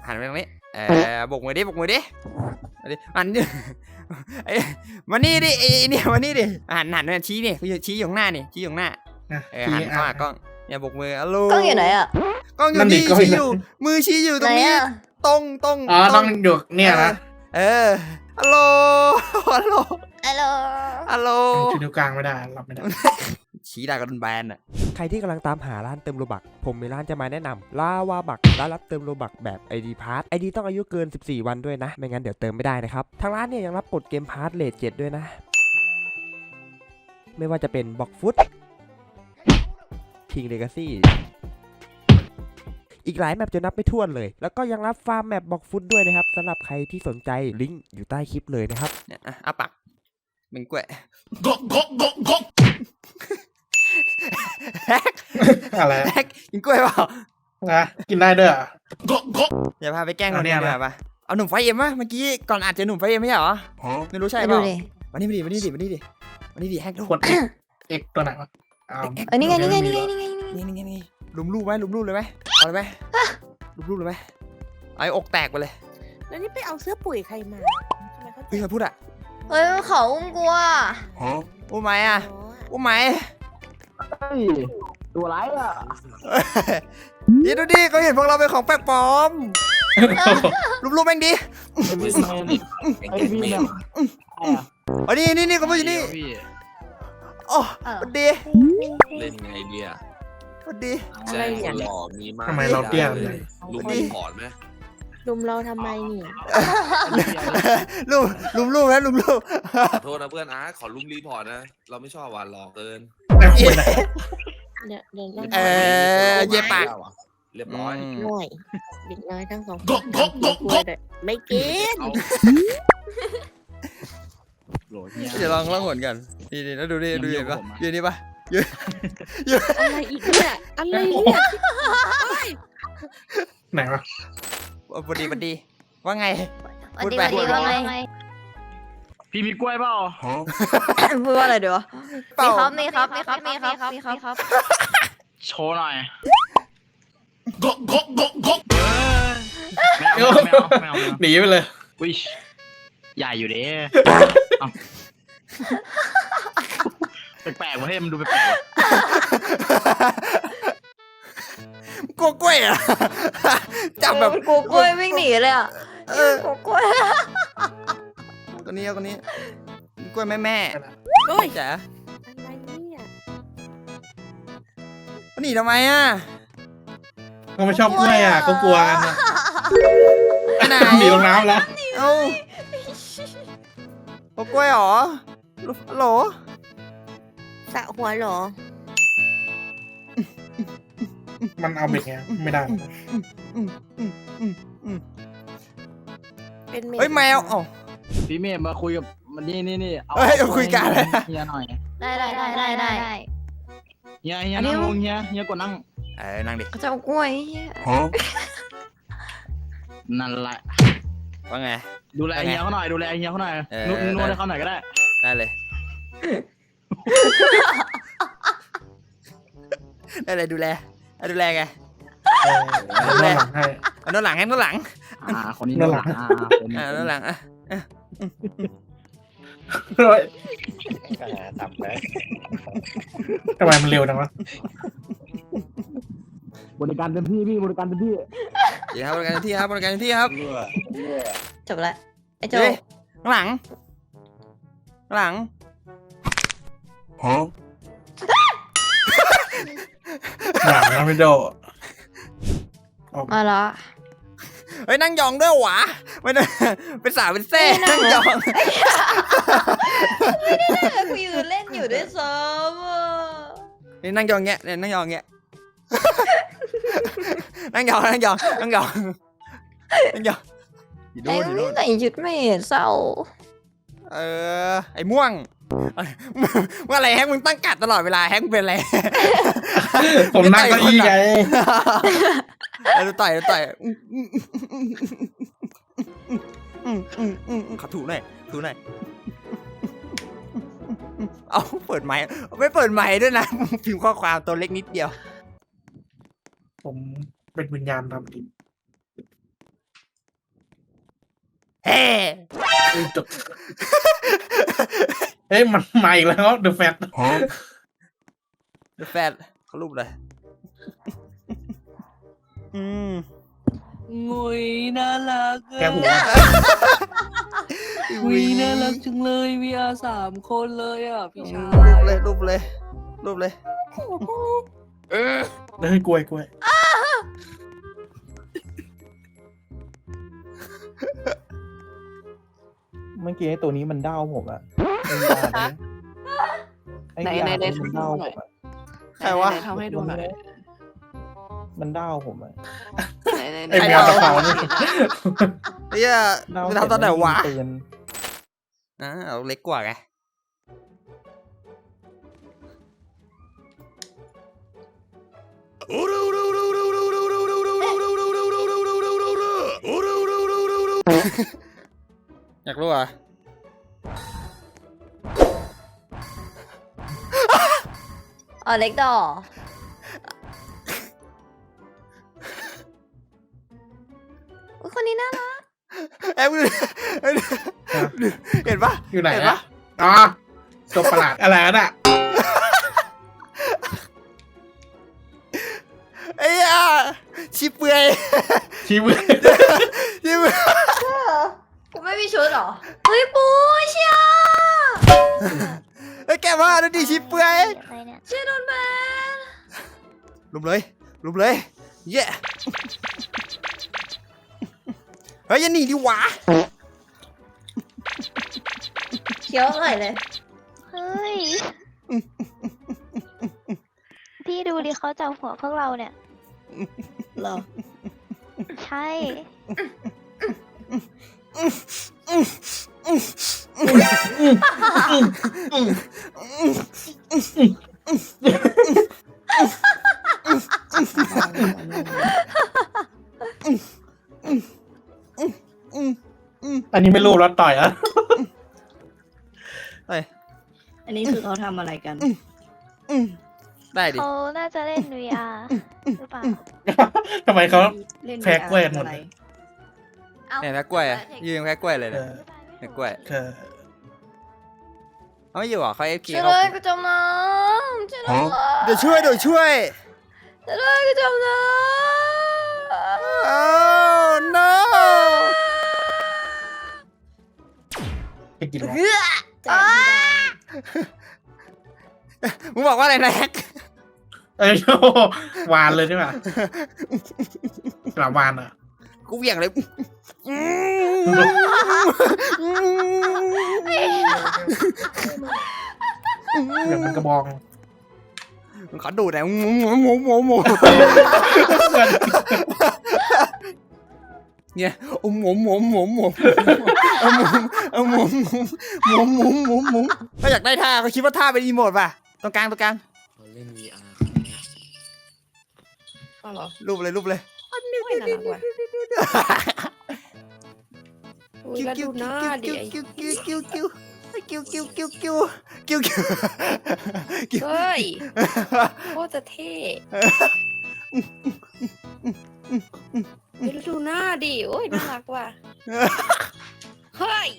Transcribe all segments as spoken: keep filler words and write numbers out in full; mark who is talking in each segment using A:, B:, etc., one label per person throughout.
A: หันไปตรงนี้เออบกมือดิบกมือดิหันไอ้มานี่ดิไอ้เนี่ยมานี่ดิหันหันชี้นี่ชี้อยู่ข้างหน้านี่ชี้อยู่ข้างหน้าเออหันเข้ามากล้องเนี่ยบกมือฮัลโหล
B: กล้องอยู่ไหนอ่ะ
A: กล้องอยู่นี่ชี้อยู่มือชี้อยู่ตรงนี้ตรงตรง
C: อ๋อต้องอยู่เนี่ยนะ
A: เออฮัลโหลฮัลโหล
B: ฮัลโหล
A: ฮัลโหล
C: ชี้นิ้วกลางไม่ได้รับไม่ได้
A: ชี้ได้ก็โดนแบนอ่ะ
D: ใครที่กำลังตามหาร้านเติมโลบักผมมีร้านจะมาแนะนำลาวาบักร้านรับเติมโลบักแบบ ไอ ดี พาร์ท ไอ ดี ต้องอายุเกินสิบสี่วันด้วยนะไม่งั้นเดี๋ยวเติมไม่ได้นะครับทางร้านเนี่ยยังรับกดเกมพาร์ทเลทเจ็ดด้วยนะไม่ว่าจะเป็นบ็อกฟุตคิงเลกาซี่อีกหลายแมปจะนับไม่ถ้วนเลยแล้วก็ยังรับฟาร์มแมปบ็อกฟุตด้วยนะครับสำหรับใครที่สนใจลิงก์อยู่ใต้คลิปเลยนะครับ
A: เนี่ยอ่ะปักเป็นกล้วย
C: กกกกกกอะไร
A: กินกล้วยเปล่า
C: นะกินได้ด้วย
A: อย่าพาไปแกล้งคนนี้เลยป่ะเอาหนุ่มไฟเอ็มวะเมื่อกี้ก่อนอาจจะหนุ่มไฟเอ็มไม่ใช่เหรอไม่รู้ใช่เปล่าวันนี้มาดิวันนี้ดิวันนี้ดิวันนี้ดิแฮกทุก
C: คนเอ็กตัวไหนวะ
B: อันนี้ไงนี่ไงนี่ไงนี่ไง
A: นี่นี่นี่ลุมลูกไหมลุมลูกเลยไหมเอาเลยไหมลุมลูกเลยไหมไอ้อกแตกไปเลย
E: แล้วนี่ไปเอาเสื้อปุ๋ยใครมาทำไมเขา
A: พี่เคยพูดอะ
B: เฮ้ยเขาอุ้มกลัว
A: อุ้มไหมอะอุ้มไหม
F: ตัวไรอ่ะ
A: นี่ดูดิเขาเห็นพวกเราเป็นของแปลกปลอมรูปรูปแม่งดิอันนี้นี่นี่เขาพูดอยู่นี่โอ้วันดี
G: เล่นไงเนี่ย
A: วันดี
E: อะไรเนี่ย
C: ทำไมเราเตี้ย
G: ลุมรีพอร์ตไหม
E: ลุมเราทำไมนี่
A: ลุมลุมลูกแล้วลุมลูก
G: ขอโทษนะเพื่อนอาร์ตขอลุมรีพอร์ตนะเราไม่ชอบหวานหลอกเกิน
E: เดี๋ยวเดี๋ยว
A: เออเย็บปาก
G: เรียบร้อย
E: ห่วยเด็กน้อยทั้งสองคนไม่กิน
A: เดี๋ยวลองลองหวนกันดีดีแล้วดูดิดูเห็นปะยืนนี่ปะยืนยืน
E: อะไรอีกเนี่ยอะไรเนี่ย
C: ไหนวะ
A: พอดีพอดีว่าไง
B: พูดไปว่าไง
F: พี่มีกล้วยเปล่า
B: พูดว่าอะไรเดี๋ยวมีครับมีครับมีครับมีครับมีครับ
F: โชว์หน่อย
C: กกกกกกไม่เอาไม่เอาไม่เอาหนีไปเลย
F: วิชใหญ่อยู่เด้แปลกๆว่ะเฮ้ยมันดูแปลกๆว่ะ
A: กลัวกล้วยอ่ะจับแบบ
B: กลัวกล้วยวิ่งหนีเลยอ่ะเออกลัวกล้วย
A: ตัวนี้ตัวนี้กล้วยแม่แม่
E: โอ้ย
A: จ๋า
E: อะไรเนี่ย
A: หนีทำไมอ่ะ
C: เขาไม่ชอบกล้วยอ่ะเขากลัวกันนะหนีลงน้ำแล้ว
A: เอ้าโอ้กล้วยหรอโหล
E: สะหัวหรอ
C: มันเอาเบ็ดไงไม่ได้
E: เป็น
A: เฮ้ยแมวอ๋อ
F: พี่เมย์มาคุยกับมันนี่นี่นี่
A: เฮ้ยคุยกันเลย
F: เฮียหน่อย
B: ได้ได้ได้ได้ได้
F: เฮียเฮียนั่งลงเฮียเฮียกดนั่ง
A: เออนั่งดิ
B: เขาจะเอากล้วย
F: นั่นแหละ
A: ว่าไง
F: ดูแลเฮียเขาหน่อยดูแลเฮียเขาหน่อยนุ่นนุ่นให้เขาหน่อยก็ได้
A: ได้เลยได้เลยดูแลดูแลไง
C: ดูแลให้
A: เอาโน่นหลังให้โน่นหลัง
F: อ่าคนนี้โน่นหลังอ่าคนนี้
A: โน่นหลังอ่ะ
C: ทำไปทำไมมันเร็วจังวะ
F: บริการเต็มที่พี่บริการเต็มที่
A: ดีครับบริการเต็มที่ครับบริการเต็มที่ครับ
B: จบแล้วไอ้โจ
A: ข้างหลังข้างหลัง
C: ฮะหนังนะพี่โจ
B: มาละ
A: เฮ้ยนั่งยองด้วยหวะไม่ได้เป็นสาวเป็นเซ่นั่งยอง
B: กูยืนเล่นอยู่ด้วยซ้ำ
A: นี่นั่งยองเงี้ยเนี่ยนั่งยองเงี้ยนั่งยองนั่งยองนั่งยองนั่งยอง
B: ไอ้ไม่ใส่ชุดไม่เห็นเศร้า
A: เออไอ้ม่วงเมื่อไรแฮกมึงตั้งกัดตลอดเวลาแฮกเป็นอะไร
C: ผมนั่งก็อี้ไง
A: เราต่อยเราต่อยขอถูหน่อยถูหน่อยเอาเปิดไมค์ไม่เปิดไมค์ด้วยนะพิมพ์ข้อความตัวเล็กนิดเดียว
C: ผมเป็นวิญญาณทำดิ
A: เฮ้
H: จบเฮ้ยมันมาอีกแล้วเดอะแฟต
A: แฟนเขารูปเลยอืม
E: งุยน่ารัก
H: แกหัว
E: งุยน่ารักจังเลยวีอาสามคนเลยอ่ะพี่ชา
A: รูป
E: ย
A: เลยรูปเลยรูปเลย
H: เฮ้ยกล้วยกล้วย
I: เมื่อกี้ไอ้ตัวนี้มันเด้าผมอะไอ้
E: ไหน
I: ยา
E: ไหนไหน
I: มัน
E: ทำให้
I: เด้า
E: ดูห
I: ผ
E: น่อย
I: มอะ
A: ใครวะ
E: ไหนทำให้ดูหน่อย
I: มันเด้าผมอะ
E: ไหนไหนไหน
H: ไอ้แมวตะเขา
A: เฮีย
I: เด้า
A: จะทำตอนไหนวะ
I: เตือน
A: อ่าเอาเล็กกว่าไงอยากรู้อ่ะ
B: อ๋อเล็กดออุ๊ยคนนี้น่ารัก
A: เอ้ยมึงเห็นปะ
H: อยู่ไหน
A: เห็น
H: อะ
A: ปะ
H: อ๋อตัวประหลาดอะไรน่ะ
A: ไอ้ยาชิเปื่อย
H: ชีวิต
A: ชิเปื่อย
B: กูไม่มีชุดเหรอเฮ้ยปูเชีย
A: ไอ้ยแกมาดูดิชิเปื่อย
B: อะไรเนี่ยเชียโดนแบน
A: ลุมเลยลุมเลยเย้เฮ้ยอยันหนีดิวะ
B: เคี้ยวอร่อยเลย
J: เฮ้ย พี่ดูดิเขาจับหัวพวกเราเนี่ย
E: เหรอ
J: ใช่
H: อันนี้ไม่รู้แล้วต่อยอ่ะ
A: เฮ้ย
E: อันนี้คือเขาทำอะไรกัน
A: ได้ดิ
J: เขาน่าจะเล่น วี อาร์ หรือเปล่า
H: ทำไมเขา
E: เล่น
H: แพ็กเว้ยหมด
E: อะไร
H: เลย
A: เนี่ยแพ้กล้วยอะยืนแพ้กล้วยเลย
H: เอ
A: เนี่ย
H: อ
A: แพ้กล้วย
H: เออ
A: เอาไม่อยู่เหรอเขาเอฟเค
B: ช่วยด้วยกูจมน้ำช่วยด้วย
A: เดี๋ยวช่วยเดี๋ยวช่วย
B: ช่วยด้วยกูจมน้
A: โอ้ no
H: ไปกิน
B: ำ
H: แล้ว
B: เฮ้อ
E: แจกไม่ได้
A: มึงบอกว่าอะไรนะแฮก
H: เอ้ยโอ้วานเลยใช่ไหมกลับวานอ่ะ
A: กูเหวี่ยงเลย
H: เดี๋ยวมันกระบอง
A: มึงขอดูหน่อยหมูหมูหมูหมูเนี่ยโอ้หมูหมูหมูหมูเอาหมูเอาหมูหมูหมูหมูหมูหมูถ้าอยากได้ท่าก็คิดว่าท่าเป็นอีโมดป่ะตรงกลางตรงกลาง
G: เขาเล่น วี อาร์
E: อ๋อเหรอ
A: รูปเลยรูปเลย
E: โอ้ยน่ารักว่ะอุ้ยแล้วดูหน้าดิไอ้
A: กิ้วกิ้วกิ้วกิ้วกิ้วกิ้วกิ้วกิ้วกิ้วกิ้วกิ้ว
E: เฮ้ยโคตรจะเท่เฮ้ยแล้วดูหน้าดิ โอ้ยน่ารักว่ะ เฮ้ย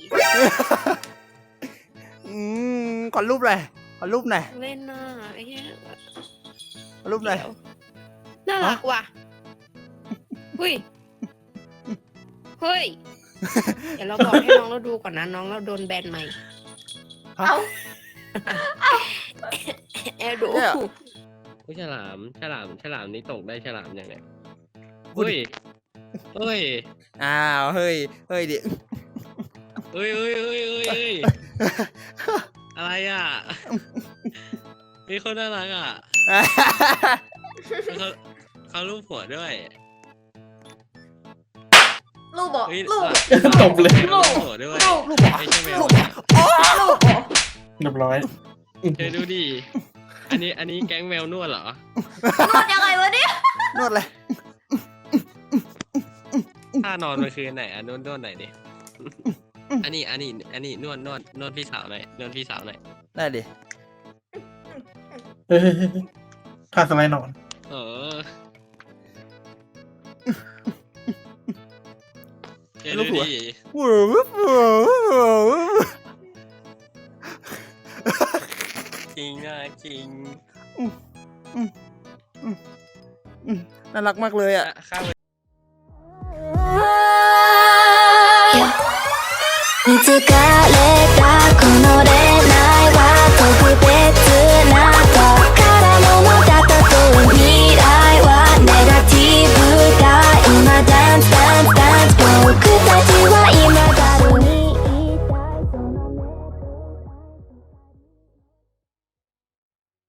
A: อืมขอรูปหน่อยขอรูปหน่อย
E: เล่นหน้าไอ้เหี้ย
A: ขอรูปหน่อย
E: เดี๋ยวน่ารักว่ะเฮ้ย เฮ้ย เดี๋ยวเราบอกให้น้องเราดูก่อนนะ น้องเราโดนแบนใหม่
A: เอ้า
E: แอร์ดู
A: เนี่ย
K: ผู้ฉลามฉลามฉลามนี้ตกได้ฉลามยังไง
A: พูด
K: เฮ้
A: ดิ
K: ยเฮ้ย
A: อ้าวเฮ้ยเฮ้ยดิ
K: เฮ้ยเฮ้ยเฮ้ยเฮ้ยเฮ้ยอะไรอ่ะมีคนน่ารักอ่ะเขาเขารูปหัวด้วย
B: ลูกบอก
K: เฮ้ย
B: ลูก
H: ตบเลย
K: รูปหัวด้วย
B: ลูก
A: ลูกเหรอ
K: ไม่ใช่แมว
A: ลูก
K: นะ
B: ลูกบอก
H: เรียบร้อย
K: เธอดูดิอันนี้อันนี้แก๊งแมวนวดเหรอ
B: นวดยังไงวะเนี่ย
A: นวดเลย
K: ท่านอนมันคือไหนอ่ะนวดนวดไหนดิอันนี้อันนี้อันนี้นวดนวดนวดพี่สาวหน่อยนวดพี่สาวหน่อย
A: ได้ดิ
H: เฮ้ยท่าสไลด์นอน
K: เออเดี๋ยว
A: ลูกหัว
K: ดิ จริงนะจริง
A: น่ารักมากเลยอ่ะ
K: ข้าว
J: 疲れたこの